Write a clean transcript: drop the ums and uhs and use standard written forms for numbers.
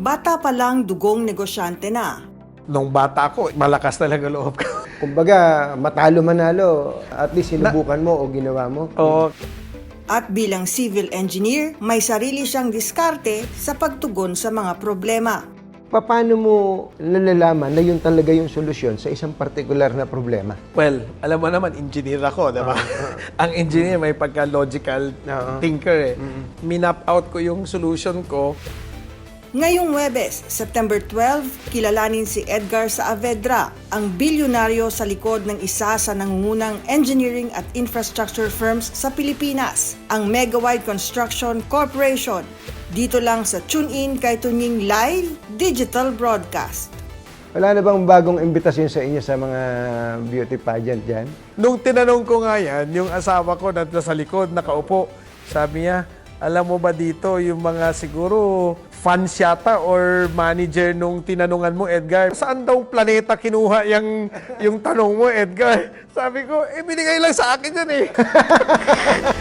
bata pa lang dugong negosyante na. Nung bata ko, malakas talaga loob ko. Kumbaga, matalo manalo, at least sinubukan mo o ginawa mo. Oo. At bilang civil engineer, may sarili siyang diskarte sa pagtugon sa mga problema. Paano mo nalalaman na yun talaga yung solusyon sa isang partikular na problema? Well, alam mo naman, engineer ako, diba? Ang engineer may pagka-logical thinker eh. Minap out ko yung solution ko. Ngayong Huwebes, September 12, kilalanin si Edgar Saavedra, ang bilyonaryo sa likod ng isa sa nangungunang engineering at infrastructure firms sa Pilipinas, ang Megawide Construction Corporation. Dito lang sa TuneIn kay Tunying Live Digital Broadcast. Wala na bang bagong imbitasyon sa inyo sa mga beauty pageant dyan? Nung tinanong ko nga yan, yung asawa ko na sa likod, nakaupo, sabi niya, alam mo ba dito, yung mga siguro fans yata or manager nung tinanungan mo, Edgar, saan daw planeta kinuha yung tanong mo, Edgar? Sabi ko, binigay lang sa akin yan eh.